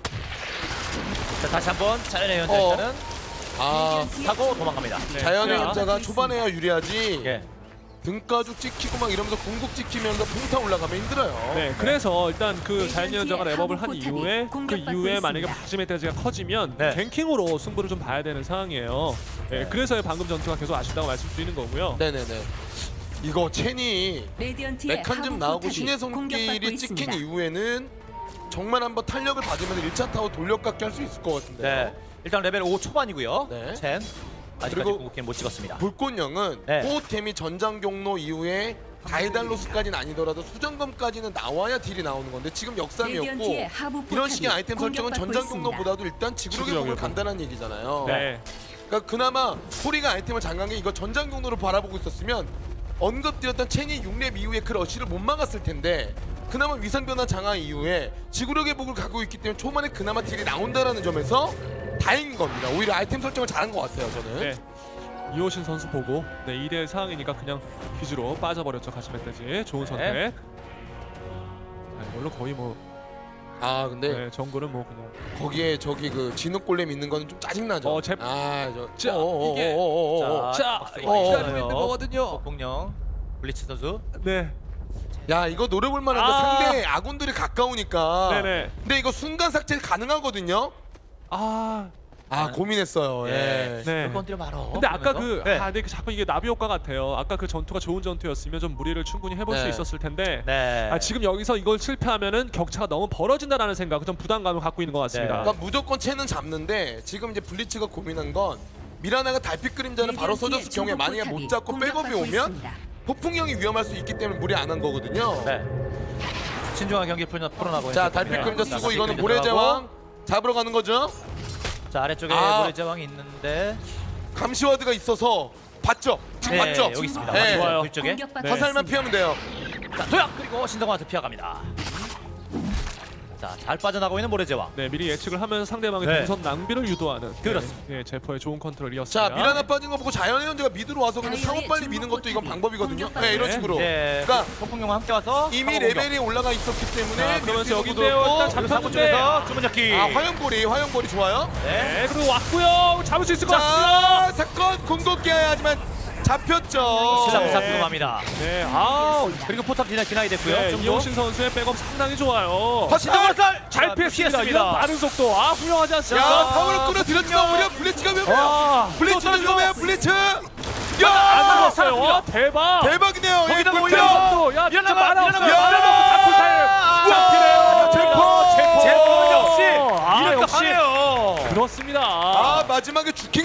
[SPEAKER 2] 자, 다시 한번 자연의 연자
[SPEAKER 3] 어.
[SPEAKER 2] 일단은
[SPEAKER 3] 아,
[SPEAKER 2] 타고 도망갑니다.
[SPEAKER 1] 네.
[SPEAKER 3] 자연의
[SPEAKER 1] 자,
[SPEAKER 3] 연자가 초반에야 유리하지.
[SPEAKER 2] 예.
[SPEAKER 3] 등가죽 찍히고 막 이러면서 궁극 찍히면서 풍타 올라가면 힘들어요.
[SPEAKER 1] 네, 그래서 일단 그 자연예 연자가 랩업을 한
[SPEAKER 4] 하부
[SPEAKER 1] 이후에 그
[SPEAKER 4] 공격받고
[SPEAKER 1] 이후에 만약에
[SPEAKER 4] 있습니다.
[SPEAKER 1] 박지메테지가 커지면
[SPEAKER 2] 네.
[SPEAKER 1] 갱킹으로 승부를 좀 봐야 되는 상황이에요. 네, 그래서 방금 전투가 계속 아쉽다고 말씀드리는 거고요.
[SPEAKER 3] 네네네. 이거 첸이
[SPEAKER 4] 레디언트의
[SPEAKER 3] 메칸즘
[SPEAKER 4] 하부
[SPEAKER 3] 나오고
[SPEAKER 4] 포탑이
[SPEAKER 3] 신의
[SPEAKER 4] 공격받고
[SPEAKER 3] 손길이 찍힌
[SPEAKER 4] 있습니다.
[SPEAKER 3] 이후에는 정말 한번 탄력을 받으면서 1차 타워 돌려깎기 할 수 있을 것 같은데.
[SPEAKER 2] 네. 일단 레벨 5 초반이고요.
[SPEAKER 3] 네.
[SPEAKER 2] 첸. 아직까지
[SPEAKER 3] 그리고
[SPEAKER 2] 궁극기는 못 찍었습니다.
[SPEAKER 3] 불꽃령은
[SPEAKER 2] 네.
[SPEAKER 3] 호흡템이 전장 경로 이후에 다이달로스까지는 아니더라도 수정검까지는 나와야 딜이 나오는 건데 지금 역삼이었고
[SPEAKER 4] 레디언트의 하부
[SPEAKER 3] 이런
[SPEAKER 4] 포탑이
[SPEAKER 3] 식의 아이템 설정은
[SPEAKER 4] 공격받고
[SPEAKER 3] 전장
[SPEAKER 4] 있습니다.
[SPEAKER 3] 경로보다도 일단 지구력의
[SPEAKER 1] 지구력이요.
[SPEAKER 3] 폭을 간다는 얘기잖아요.
[SPEAKER 1] 네.
[SPEAKER 3] 그러니까 그나마 소리가 아이템을 장간 게 이거 전장 경로를 바라보고 있었으면 언급드렸던 첸이 6렙 이후에 그 러쉬를 못 막았을 텐데 그나마 위상 변화 장악 이후에 지구력의 복을 갖고 있기 때문에 초반에 그나마 딜이 나온다라는 점에서 다행인 겁니다. 오히려 아이템 설정을 잘한 것 같아요, 저는.
[SPEAKER 1] 네. 이호신 선수 보고 2대1 상황이니까 그냥 퀴즈로 빠져버렸죠. 가시멧돼지 좋은 선택.
[SPEAKER 2] 네.
[SPEAKER 1] 물론 거의 뭐
[SPEAKER 3] 아 근데
[SPEAKER 1] 정글은 뭐 그냥
[SPEAKER 3] 거기에 저기 그 진흙 골렘 있는 거는 좀 짜증나죠.
[SPEAKER 1] 제-
[SPEAKER 3] 아저
[SPEAKER 1] 자, 이게-
[SPEAKER 2] 자,
[SPEAKER 1] 기다리고 있는 거거든요.
[SPEAKER 2] 폭풍령 블리츠 선수.
[SPEAKER 1] 네.
[SPEAKER 3] 야 이거 노려볼 만한데
[SPEAKER 1] 아.
[SPEAKER 3] 상대 아군들이 가까우니까.
[SPEAKER 1] 네네.
[SPEAKER 3] 근데 이거 순간 삭제 가능하거든요.
[SPEAKER 1] 아,
[SPEAKER 3] 고민했어요. 예.
[SPEAKER 1] 네.
[SPEAKER 2] 건드려 말어.
[SPEAKER 1] 근데 아까
[SPEAKER 2] 그러면서.
[SPEAKER 1] 근데 자꾸 이게 나비 효과 같아요. 아까 그 전투가 좋은 전투였으면 좀 무리를 충분히 해볼 수
[SPEAKER 3] 네.
[SPEAKER 1] 있었을 텐데.
[SPEAKER 2] 네.
[SPEAKER 1] 지금 여기서 이걸 실패하면은 격차가 너무 벌어진다라는 생각, 좀 부담감을 갖고 있는 것 같습니다.
[SPEAKER 3] 그러니까 무조건 채는 잡는데 지금 이제 블리츠가 고민한 건 미라나가 달빛 그림자는 바로 써줬을 경우에 만약에 못 잡고 백업이 오면 폭풍형이 위험할 수 있기 때문에 무리 안 한 거거든요.
[SPEAKER 2] 네. 신중한 경기 풀어나고.
[SPEAKER 3] 자
[SPEAKER 2] 있는
[SPEAKER 3] 달빛
[SPEAKER 2] 네.
[SPEAKER 3] 그림자
[SPEAKER 2] 자,
[SPEAKER 3] 쓰고
[SPEAKER 2] 달빛
[SPEAKER 3] 이거는
[SPEAKER 2] 그림자
[SPEAKER 3] 모래제왕 잡으러 가는 거죠.
[SPEAKER 2] 자, 아래쪽에
[SPEAKER 3] 아.
[SPEAKER 2] 모래제왕이 있는데.
[SPEAKER 3] 감시와드가 있어서 봤죠? 지금
[SPEAKER 2] 네,
[SPEAKER 3] 봤죠?
[SPEAKER 2] 여기 있습니다.
[SPEAKER 3] 네.
[SPEAKER 1] 좋아요.
[SPEAKER 2] 그쪽에.
[SPEAKER 1] 네.
[SPEAKER 3] 화살만 피하면 돼요.
[SPEAKER 2] 자, 도약 그리고 신성한테 피해갑니다. 자, 잘 빠져나가고 있는 모래제왕.
[SPEAKER 1] 네, 미리 예측을 하면서 상대방의
[SPEAKER 2] 네.
[SPEAKER 1] 동선 낭비를 유도하는
[SPEAKER 2] 그렇습니다.
[SPEAKER 1] 네, 제퍼의 좋은 컨트롤이었습니다.
[SPEAKER 3] 자 미라나 빠진 거 보고 자연의 현재가 미드로 와서 그냥 상호 빨리 미는 것도 이건 방법이거든요. 네 이런 식으로.
[SPEAKER 2] 네.
[SPEAKER 3] 그러니까
[SPEAKER 2] 폭풍령과 함께 와서
[SPEAKER 3] 이미
[SPEAKER 2] 상호 공격.
[SPEAKER 3] 레벨이 올라가 있었기 때문에
[SPEAKER 1] 자, 그러면서
[SPEAKER 3] 밀수 있는
[SPEAKER 1] 여기인데요.
[SPEAKER 3] 구도였고,
[SPEAKER 1] 일단
[SPEAKER 2] 그리고
[SPEAKER 1] 잡혔는데.
[SPEAKER 2] 사무실에서 주문잡기.
[SPEAKER 3] 화염고리 좋아요.
[SPEAKER 1] 네, 그리고 왔고요. 잡을 수 있을 것 같습니다.
[SPEAKER 3] 자 사건 궁극기 하지만 잡혔죠.
[SPEAKER 2] 신랑
[SPEAKER 1] 네.
[SPEAKER 2] 잡히고 맙니다.
[SPEAKER 1] 네,
[SPEAKER 2] 그리고 포탑 디나이 됐고요.
[SPEAKER 1] 네,
[SPEAKER 2] 좀 더.
[SPEAKER 1] 이호신 선수의 백업 상당히 좋아요.
[SPEAKER 3] 화살.
[SPEAKER 1] 잘 피했습니다. 이런 빠른 속도, 훌륭하지
[SPEAKER 3] 야
[SPEAKER 1] 않습니까?
[SPEAKER 3] 타워를 끌어들였지만 오히려 블리츠가 위험해요.
[SPEAKER 1] 와,
[SPEAKER 3] 블리츠도 위험해요. 블리츠.
[SPEAKER 1] 안
[SPEAKER 3] 야
[SPEAKER 1] 죽었어요. 와, 대박.
[SPEAKER 3] 대박이네요. 예,
[SPEAKER 2] 거기다가
[SPEAKER 3] 꿀팁.
[SPEAKER 2] 올려.
[SPEAKER 1] 또, 야, 진짜
[SPEAKER 2] 일어나가,
[SPEAKER 1] 만화 없어요.
[SPEAKER 2] 일어나가.
[SPEAKER 1] 만화 먹고 다쿨타임.
[SPEAKER 3] 잡히네요.
[SPEAKER 1] 제퍼
[SPEAKER 2] 제퍼 역시
[SPEAKER 1] 아,
[SPEAKER 2] 이럴 거
[SPEAKER 1] 역시.
[SPEAKER 2] 하네요.
[SPEAKER 1] 그렇습니다.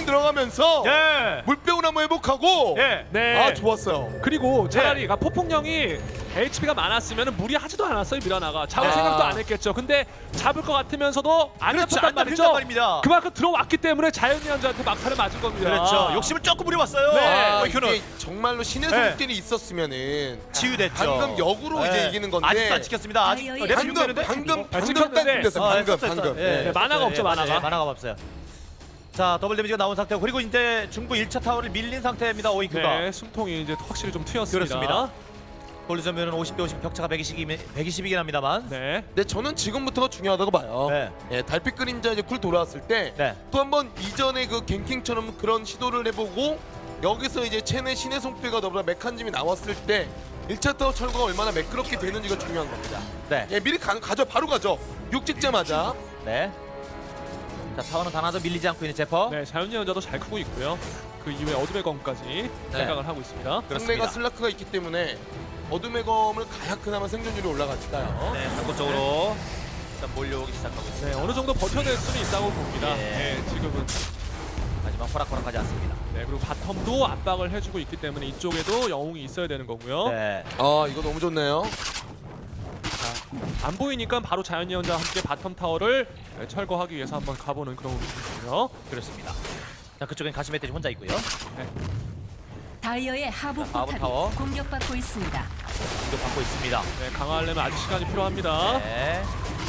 [SPEAKER 3] 들어가면서
[SPEAKER 2] 예.
[SPEAKER 3] 물병을 한번 회복하고
[SPEAKER 2] 예.
[SPEAKER 1] 네.
[SPEAKER 3] 아 좋았어요.
[SPEAKER 1] 그리고 차라리 그러니까 폭풍령이 HP가 많았으면 무리하지도 않았어요. 미라나가 잡을 생각도 안 했겠죠. 근데 잡을 것 같으면서도 안
[SPEAKER 2] 그렇죠.
[SPEAKER 1] 잡혔단
[SPEAKER 2] 안
[SPEAKER 1] 말이죠.
[SPEAKER 2] 잡혔단 말입니다.
[SPEAKER 1] 그만큼 들어왔기 때문에 자연예언자한테 막타를 맞은 겁니다.
[SPEAKER 2] 그렇죠. 욕심을 조금 부려봤어요.
[SPEAKER 1] 네.
[SPEAKER 3] 아,
[SPEAKER 2] 오이큐는
[SPEAKER 3] 이게 정말로 신의
[SPEAKER 2] 네.
[SPEAKER 3] 손길이 있었으면은
[SPEAKER 2] 치유됐죠.
[SPEAKER 3] 방금 역으로 이제 이기는 건데
[SPEAKER 2] 아직도 안 찍혔습니다. 아직
[SPEAKER 4] 아이어의
[SPEAKER 2] 랩
[SPEAKER 3] 방금
[SPEAKER 2] 되는데?
[SPEAKER 3] 방금
[SPEAKER 1] 찍혔는데.
[SPEAKER 3] 됐어. 방금.
[SPEAKER 1] 네, 만화가 없죠, 만화가.
[SPEAKER 2] 만화가 없어요. 자, 더블 데미지가 나온 상태고 그리고 이제 중부 1차 타워를 밀린 상태입니다. 오이큐가.
[SPEAKER 1] 네, 숨통이 이제 확실히 좀 트였습니다.
[SPEAKER 2] 그렇습니다. 돌리자면은 50대 50 격차가 120이긴 합니다만.
[SPEAKER 1] 네.
[SPEAKER 3] 근데 저는 지금부터가 중요하다고 봐요.
[SPEAKER 2] 네.
[SPEAKER 3] 예, 달빛 그림자 이제 쿨 돌아왔을 때
[SPEAKER 2] 네.
[SPEAKER 3] 또 한번 이전에 그 갱킹처럼 그런 시도를 해보고 여기서 이제 체내 신의 손길과 더불어 메칸즘이 나왔을 때 1차 타워 철거가 얼마나 매끄럽게 되는지가 중요한 겁니다.
[SPEAKER 2] 네.
[SPEAKER 3] 예, 미리 가죠. 바로 가죠. 6 찍자마자.
[SPEAKER 2] 네. 자, 타워는 단 하나도 밀리지 않고 있는 제퍼.
[SPEAKER 1] 네, 자연예언자도 잘 크고 있고요. 그 이후에 어둠의 검까지 생각을 하고 있습니다.
[SPEAKER 3] 상대가 슬라크가 있기 때문에 어둠의 검을 가야 그나마 생존율이 올라가니까요.
[SPEAKER 2] 네, 상권적으로 일단 몰려오기 시작하고 있습니다.
[SPEAKER 1] 네, 어느 정도 버텨낼 수는 있다고 봅니다.
[SPEAKER 2] 예.
[SPEAKER 1] 네, 지금은.
[SPEAKER 2] 하지만 호락호락하지 않습니다.
[SPEAKER 1] 네, 그리고 바텀도 압박을 해주고 있기 때문에 이쪽에도 영웅이 있어야 되는 거고요.
[SPEAKER 2] 네.
[SPEAKER 3] 아 이거 너무 좋네요.
[SPEAKER 1] 안 보이니까 바로 자연예언자와 함께 바텀 타워를 네, 철거하기 위해서 한번 가보는 그런 움직임이고요.
[SPEAKER 2] 그렇습니다. 자, 그쪽엔 가시 멧돼지 혼자 있고요.
[SPEAKER 4] 다이어의 하부
[SPEAKER 2] 자, 하부
[SPEAKER 4] 포탑이
[SPEAKER 2] 타워.
[SPEAKER 4] 공격받고 있습니다.
[SPEAKER 2] 공격 받고 있습니다.
[SPEAKER 1] 네, 강화하려면 아직 시간이 필요합니다.
[SPEAKER 2] 네.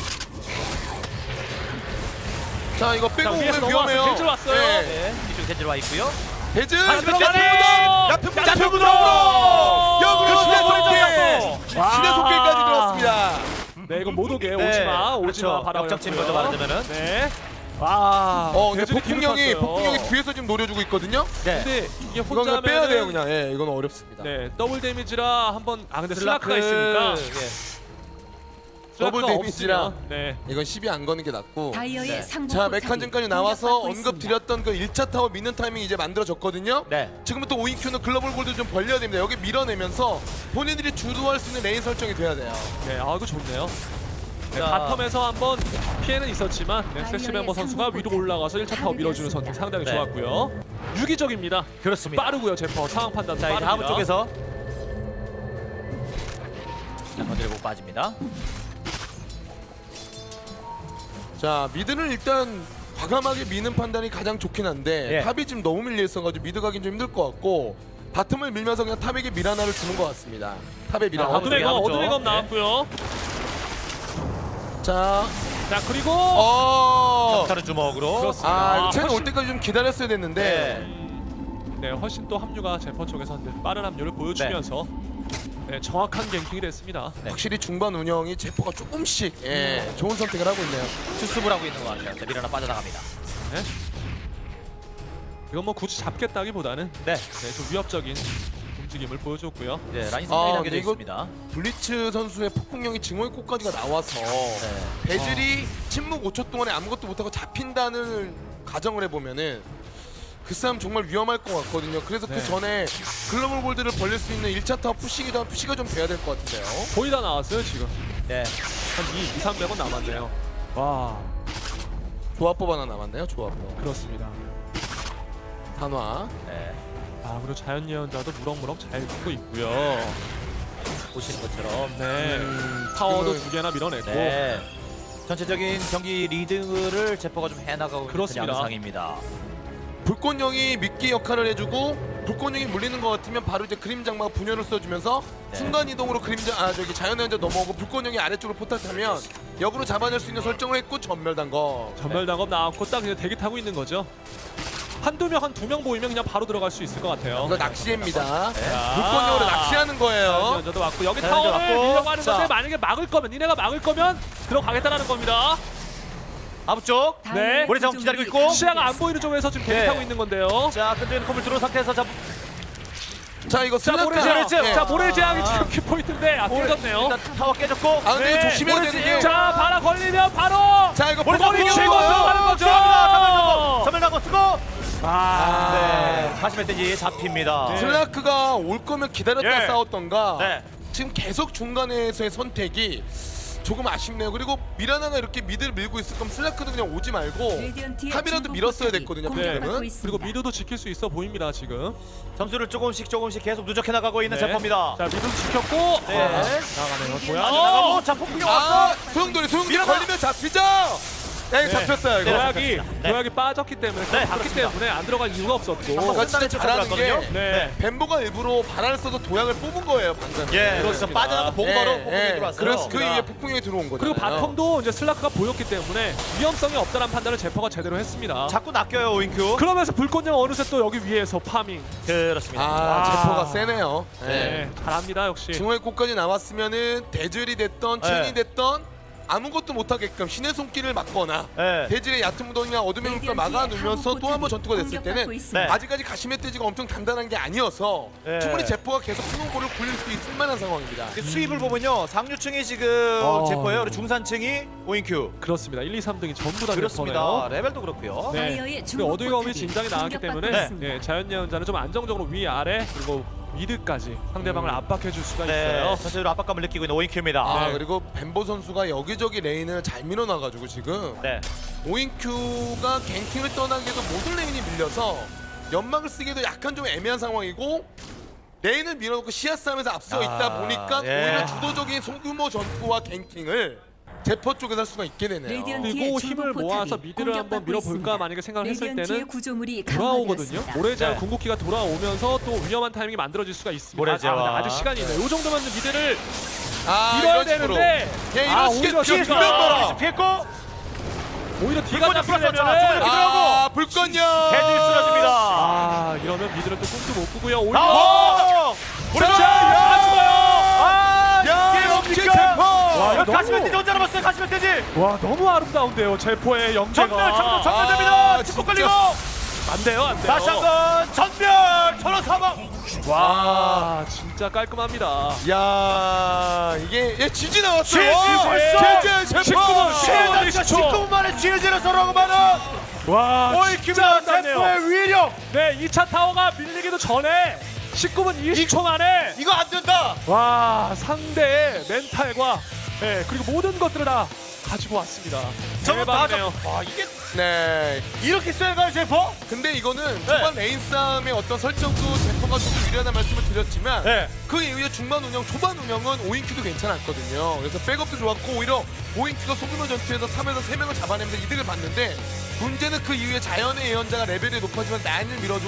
[SPEAKER 3] 자 이거 빼고
[SPEAKER 1] 자, 위에서
[SPEAKER 3] 오면
[SPEAKER 1] 넘어왔어요.
[SPEAKER 3] 위험해요.
[SPEAKER 1] 벤질 왔어요.
[SPEAKER 3] 네.
[SPEAKER 2] 네. 이쪽 겐지로 와 있고요.
[SPEAKER 3] 대즈
[SPEAKER 1] 들어가네요.
[SPEAKER 3] 얕은
[SPEAKER 1] 얕은
[SPEAKER 3] 무덤으로 역으로
[SPEAKER 1] 그렇죠.
[SPEAKER 3] 신의
[SPEAKER 1] 그렇죠.
[SPEAKER 3] 손길 신의 손길까지 들어왔습니다.
[SPEAKER 1] 네, 이거 못 오게
[SPEAKER 2] 네,
[SPEAKER 1] 오지마, 오지마
[SPEAKER 2] 그렇죠.
[SPEAKER 1] 바라고
[SPEAKER 2] 역적진 거죠, 말하자면은.
[SPEAKER 1] 네. 와.
[SPEAKER 3] 근데
[SPEAKER 1] 대준이 뒤로
[SPEAKER 3] 폭풍령이
[SPEAKER 1] 탔어요.
[SPEAKER 3] 뒤에서 지금 노려주고 있거든요.
[SPEAKER 2] 네.
[SPEAKER 1] 근데 이게
[SPEAKER 3] 이건
[SPEAKER 1] 혼자
[SPEAKER 3] 그냥 빼야 돼요 그냥. 예, 이건 어렵습니다.
[SPEAKER 1] 네, 더블 데미지라 한번 근데 슬라크가 있으니까
[SPEAKER 2] 예.
[SPEAKER 3] 더블
[SPEAKER 1] 슬라크가
[SPEAKER 3] 데미지라.
[SPEAKER 1] 없으면, 네.
[SPEAKER 3] 이건 10이 안 거는 게 낫고.
[SPEAKER 4] 다이어의
[SPEAKER 2] 네.
[SPEAKER 4] 상부
[SPEAKER 3] 자
[SPEAKER 4] 포탑이
[SPEAKER 3] 메칸즘까지 나와서
[SPEAKER 4] 공격받고 있습니다.
[SPEAKER 3] 언급드렸던 그 1차 타워 미는 타이밍 이제 만들어졌거든요.
[SPEAKER 2] 네.
[SPEAKER 3] 지금부터 오인큐는 글로벌 골드 좀 벌려야 됩니다. 여기 밀어내면서 본인들이 주도할 수 있는 레인 설정이 돼야 돼요.
[SPEAKER 1] 네, 아 이거 좋네요. 네,
[SPEAKER 2] 자.
[SPEAKER 1] 바텀에서 한번 피해는 있었지만 네, 세시 멤버 선수가 위로 올라가서 1차 타워 밀어주는 선택 상당히
[SPEAKER 2] 네.
[SPEAKER 1] 좋았고요. 유기적입니다.
[SPEAKER 2] 그렇습니다.
[SPEAKER 1] 빠르고요, 제퍼 상황 판단도
[SPEAKER 2] 자, 이제
[SPEAKER 1] 빠릅니다.
[SPEAKER 2] 하부 쪽에서 자, 건드리고 빠집니다.
[SPEAKER 3] 자 미드는 일단 과감하게 미는 판단이 가장 좋긴 한데
[SPEAKER 2] 예.
[SPEAKER 3] 탑이 지금 너무 밀려 있어가지고 미드 가긴 좀 힘들 것 같고 바텀을 밀면서 그냥 탑에게 밀 하나를 주는 것 같습니다. 탑에 밀 하나.
[SPEAKER 1] 어둠의 검,
[SPEAKER 2] 하부죠.
[SPEAKER 1] 어둠의 검
[SPEAKER 2] 네.
[SPEAKER 1] 나왔고요.
[SPEAKER 3] 자,
[SPEAKER 1] 자, 그리고
[SPEAKER 2] 다른 주먹으로.
[SPEAKER 1] 그렇습니다.
[SPEAKER 3] 이거 첸 올
[SPEAKER 1] 훨씬-
[SPEAKER 3] 때까지 좀 기다렸어야 됐는데.
[SPEAKER 2] 네.
[SPEAKER 1] 네, 훨씬 또 합류가 제퍼 쪽에서 이제 빠른 합류를 보여주면서 네, 정확한 갱킹이 됐습니다.
[SPEAKER 2] 네.
[SPEAKER 3] 확실히 중반 운영이 제퍼가 조금씩 좋은 선택을 하고 있네요.
[SPEAKER 2] 수습을 하고 있는 것 같아요. 자, 밀어나 빠져나갑니다.
[SPEAKER 1] 네. 이건 뭐 굳이 잡겠다기보다는
[SPEAKER 2] 네.
[SPEAKER 1] 네, 좀 위협적인 움직임을 보여줬고요.
[SPEAKER 2] 네, 라인 상당히 남겨져
[SPEAKER 3] 근데 이거
[SPEAKER 2] 있습니다.
[SPEAKER 3] 블리츠 선수의 폭풍령이 증오의 꽃까지가 나와서
[SPEAKER 2] 네.
[SPEAKER 3] 배즐이 침묵 5초 동안에 아무것도 못하고 잡힌다는 가정을 해보면은 그 싸움 정말 위험할 것 같거든요. 그래서
[SPEAKER 1] 네.
[SPEAKER 3] 그 전에 글로벌 골드를 벌릴 수 있는 1차 타워 푸시가 좀 돼야 될 것 같은데요.
[SPEAKER 1] 거의 다 나왔어요, 지금.
[SPEAKER 2] 네.
[SPEAKER 1] 한 2, 300원 남았네요. 와,
[SPEAKER 3] 조합법 하나 남았네요. 조합법.
[SPEAKER 1] 그렇습니다.
[SPEAKER 3] 단화.
[SPEAKER 2] 네.
[SPEAKER 1] 아, 그리고 자연예언자도 무럭무럭 잘 듣고 있고요.
[SPEAKER 2] 보시는 것처럼.
[SPEAKER 1] 네, 타워도
[SPEAKER 3] 지금은-
[SPEAKER 1] 2개나 밀어냈고.
[SPEAKER 2] 네. 전체적인 경기 리드를 제퍼가 좀 해나가고
[SPEAKER 1] 그렇습니다.
[SPEAKER 2] 있는 양상입니다.
[SPEAKER 3] 불꽃령이 미끼 역할을 해주고 불꽃령이 물리는 것 같으면 바로 이제 그림 장마가 분열을 써주면서
[SPEAKER 2] 네.
[SPEAKER 3] 순간 이동으로 자연의 현자 넘어오고 불꽃령이 아래쪽으로 포탈 타면 역으로 잡아낼 수 있는 설정을 했고 전멸단거.
[SPEAKER 1] 전멸당업 나왔고 딱 그냥 대기 타고 있는 거죠. 한두 명, 한 두 명 보이면 그냥 바로 들어갈 수 있을 것 같아요.
[SPEAKER 3] 이거 낚시입니다.
[SPEAKER 2] 네.
[SPEAKER 3] 불꽃령으로 낚시하는 거예요.
[SPEAKER 1] 자연예언자도 왔고 여기
[SPEAKER 2] 자연예언자
[SPEAKER 1] 타워를
[SPEAKER 2] 왔고.
[SPEAKER 1] 밀려고 하는
[SPEAKER 2] 자.
[SPEAKER 1] 것에 만약에 막을 거면 니네가 막을 거면 들어가겠다라는 겁니다.
[SPEAKER 2] 아부 쪽.
[SPEAKER 1] 네.
[SPEAKER 2] 모래 자원 기다리고 있고.
[SPEAKER 1] 시야가 안 보이는 쪽에서 지금 대기
[SPEAKER 2] 네.
[SPEAKER 1] 타고 있는 건데요.
[SPEAKER 2] 자, 끈적이는 컴을 들어온 상태에서
[SPEAKER 3] 자 이거
[SPEAKER 1] 자,
[SPEAKER 3] 슬라크.
[SPEAKER 1] 모래제왕.
[SPEAKER 3] 예.
[SPEAKER 1] 자, 모래제왕이 지금 키포인트인데 깨졌네요.
[SPEAKER 2] 일단 타워 깨졌고.
[SPEAKER 3] 아 근데
[SPEAKER 2] 네.
[SPEAKER 3] 이거 조심해야 되는 게.
[SPEAKER 1] 자, 바라 걸리면 바로
[SPEAKER 3] 자 이거
[SPEAKER 2] 모래
[SPEAKER 3] 불꽃
[SPEAKER 2] 자원
[SPEAKER 1] 치고
[SPEAKER 3] 치고
[SPEAKER 1] 들어가는 거죠.
[SPEAKER 2] 전멸당고 쓰고.
[SPEAKER 1] 아,
[SPEAKER 2] 네. 다시 멧돼지 잡힙니다.
[SPEAKER 1] 네.
[SPEAKER 3] 슬라크가 올 거면 기다렸다
[SPEAKER 2] 예.
[SPEAKER 3] 싸웠던가.
[SPEAKER 2] 네.
[SPEAKER 3] 지금 계속 중간에서의 선택이 조금 아쉽네요. 그리고 미라나가 이렇게 미드를 밀고 있을 거면 슬라크도 그냥 오지 말고
[SPEAKER 4] 레디언트의
[SPEAKER 3] 탑이라도
[SPEAKER 4] 중부
[SPEAKER 3] 밀었어야
[SPEAKER 4] 포탑이
[SPEAKER 3] 됐거든요.
[SPEAKER 4] 공격받고
[SPEAKER 3] 팬텀은.
[SPEAKER 4] 있습니다.
[SPEAKER 1] 그리고 미드도 지킬 수 있어 보입니다 지금.
[SPEAKER 2] 점수를 조금씩 계속 누적해 나가고 있는
[SPEAKER 1] 네.
[SPEAKER 2] 제퍼입니다.
[SPEAKER 1] 자 미드 지켰고.
[SPEAKER 2] 네.
[SPEAKER 1] 나가네요.
[SPEAKER 2] 뭐야?
[SPEAKER 1] 뭐야?
[SPEAKER 2] 나가고 자 폭풍이 왔어.
[SPEAKER 3] 아, 소용돌이
[SPEAKER 2] 미라나!
[SPEAKER 3] 걸리면 잡히죠. 네, 잡혔어요 이거.
[SPEAKER 1] 도약이
[SPEAKER 2] 네.
[SPEAKER 1] 도약이 빠졌기 때문에
[SPEAKER 2] 네,
[SPEAKER 1] 봤기
[SPEAKER 2] 그렇습니다.
[SPEAKER 1] 때문에 안 들어갈 이유가 없었고.
[SPEAKER 3] 제가 진짜 잘하는 게
[SPEAKER 1] 네.
[SPEAKER 3] 벤보가 일부러 바람을 써서 도약을 뽑은 거예요 방금.
[SPEAKER 2] 예, 그렇습니다.
[SPEAKER 1] 그렇습니다.
[SPEAKER 2] 빠져나가 보고 바로 폭풍이 들어왔어요.
[SPEAKER 3] 그래서 그 이후에 폭풍이 들어온 거죠.
[SPEAKER 1] 그리고 바텀도 이제 슬라크가 보였기 때문에 위험성이 없다는 판단을 제퍼가 제대로 했습니다.
[SPEAKER 2] 자꾸 낚여요 오인큐.
[SPEAKER 1] 그러면서 불꽃령 어느새 또 여기 위에서 파밍.
[SPEAKER 2] 그렇습니다.
[SPEAKER 3] 아, 제퍼가 세네요.
[SPEAKER 1] 네, 잘합니다 역시.
[SPEAKER 3] 중앙의 꽃까지 나왔으면은 대절이 됐던
[SPEAKER 2] 네.
[SPEAKER 3] 체인이 됐던 아무것도 못하게끔 신의 손길을 막거나
[SPEAKER 2] 네.
[SPEAKER 3] 대질의 얕은 무덤이나 어둠의 물결 막아놓으면서 또 한 번 전투가 됐을 때는
[SPEAKER 2] 네.
[SPEAKER 3] 아직까지 가시멧 돼지가 엄청 단단한 게 아니어서
[SPEAKER 2] 네.
[SPEAKER 3] 충분히 제퍼가 계속 스노볼을 굴릴 수 있을 만한 상황입니다.
[SPEAKER 2] 그 수입을 보면요 상류층이 지금 제퍼예요. 그리고 중산층이 오인큐.
[SPEAKER 1] 그렇습니다. 1, 2, 3등이 전부 다
[SPEAKER 2] 그렇습니다.
[SPEAKER 1] 제퍼네요.
[SPEAKER 2] 레벨도 그렇고요.
[SPEAKER 1] 네.
[SPEAKER 4] 다이어의
[SPEAKER 1] 그리고
[SPEAKER 4] 중국
[SPEAKER 1] 어두이 검이
[SPEAKER 4] 포탑이
[SPEAKER 1] 진작에 나왔기 때문에
[SPEAKER 4] 공격받고 있습니다.
[SPEAKER 1] 네, 자연 예언자는 좀 안정적으로 위 아래 그리고 미드까지 상대방을 압박해 줄 수가
[SPEAKER 2] 네,
[SPEAKER 1] 있어요.
[SPEAKER 2] 전체적으로 압박감을 느끼고 있는 오인큐입니다.
[SPEAKER 3] 아
[SPEAKER 1] 네.
[SPEAKER 3] 그리고 벤보 선수가 여기저기 레인을 잘 밀어놔가지고 지금
[SPEAKER 2] 네.
[SPEAKER 3] 오인큐가 갱킹을 떠나기에도 모든 레인이 밀려서 연막을 쓰기도 약간 좀 애매한 상황이고 레인을 밀어놓고 시야 싸움에서 앞서 있다 보니까
[SPEAKER 2] 예.
[SPEAKER 3] 오히려 주도적인 소규모 전투와 갱킹을 제퍼 쪽에서 할 수가 있게 되네요.
[SPEAKER 4] 레디언트
[SPEAKER 1] 그리고
[SPEAKER 4] 뒤에
[SPEAKER 1] 힘을
[SPEAKER 4] 중부
[SPEAKER 1] 모아서
[SPEAKER 4] 포탑이
[SPEAKER 1] 미드를 한번
[SPEAKER 4] 공격받고
[SPEAKER 1] 밀어볼까
[SPEAKER 4] 있습니다.
[SPEAKER 1] 만약에 생각을 했을
[SPEAKER 4] 레디언트의
[SPEAKER 1] 때는
[SPEAKER 4] 구조물이
[SPEAKER 1] 돌아오거든요.
[SPEAKER 4] 강화되었습니다.
[SPEAKER 1] 모래제와
[SPEAKER 2] 네.
[SPEAKER 1] 궁극기가 돌아오면서 또 위험한 타이밍이 만들어질 수가 있습니다.
[SPEAKER 2] 모래제와.
[SPEAKER 1] 아직 시간이 있네요. 이 정도면 미드를
[SPEAKER 3] 아,
[SPEAKER 1] 밀어야
[SPEAKER 3] 이런 식으로.
[SPEAKER 1] 되는데
[SPEAKER 3] 예, 이런 식의
[SPEAKER 1] 오히려
[SPEAKER 3] 뒤에
[SPEAKER 1] 저기가-
[SPEAKER 3] 두명 봐라.
[SPEAKER 2] 피했고
[SPEAKER 1] 오히려 뒤가
[SPEAKER 2] 불꽃령 풀었었죠.
[SPEAKER 1] 잡히려면
[SPEAKER 3] 아, 불꽃령.
[SPEAKER 2] 대질 쓰러집니다.
[SPEAKER 1] 아 이러면 미드를 또 꿈도 못 꾸고요. 오히려
[SPEAKER 2] 아!
[SPEAKER 1] 자,
[SPEAKER 2] 다 죽어요. 아,
[SPEAKER 3] 야,
[SPEAKER 2] 이게
[SPEAKER 3] 역시
[SPEAKER 2] 뭡니까?
[SPEAKER 3] 제퍼.
[SPEAKER 1] 와,
[SPEAKER 2] 이거
[SPEAKER 1] 너무-
[SPEAKER 2] 가시면 되지 혼자 남았어요. 가시면 되지.
[SPEAKER 1] 와 너무 아름다운데요. 제포의 연계가
[SPEAKER 2] 전멸됩니다.
[SPEAKER 3] 아,
[SPEAKER 2] 뒷북
[SPEAKER 3] 진짜.
[SPEAKER 2] 걸리고
[SPEAKER 1] 안 돼요, 안 돼요.
[SPEAKER 2] 다시 한번 전멸. 전원 사망.
[SPEAKER 1] 와 진짜 깔끔합니다.
[SPEAKER 3] 야, 이게 얘 지지 나왔어요.
[SPEAKER 2] 지지 벌써.
[SPEAKER 3] 제제
[SPEAKER 1] 19분.
[SPEAKER 3] 제퍼.
[SPEAKER 2] 19분 만에 지어지는 서러움만은
[SPEAKER 1] 와
[SPEAKER 2] 오이큐가
[SPEAKER 1] 진짜
[SPEAKER 2] 제퍼의 위력.
[SPEAKER 1] 네 2차 타워가 밀리기도 전에 19분 20초 만에
[SPEAKER 2] 이거 안 된다.
[SPEAKER 1] 와 상대의 멘탈과 네, 그리고 모든 것들을 다 가지고 왔습니다.
[SPEAKER 2] 저거 다
[SPEAKER 1] 대박이네요.
[SPEAKER 2] 와 이게
[SPEAKER 3] 네.
[SPEAKER 2] 이렇게 쎄가요 제퍼?
[SPEAKER 3] 근데 이거는 초반 레인 싸움의 어떤 설정도 제퍼가 조금 유리하다는 말씀을 드렸지만
[SPEAKER 2] 네.
[SPEAKER 3] 그 이후에 중반 운영, 초반 운영은 오인큐도 괜찮았거든요. 그래서 백업도 좋았고 오히려 오인큐가 소규모 전투에서 3에서 3명을 잡아내면서 이득을 봤는데 문제는 그 이후에 자연의 예언자가 레벨이 높아지면 라인을 밀어주고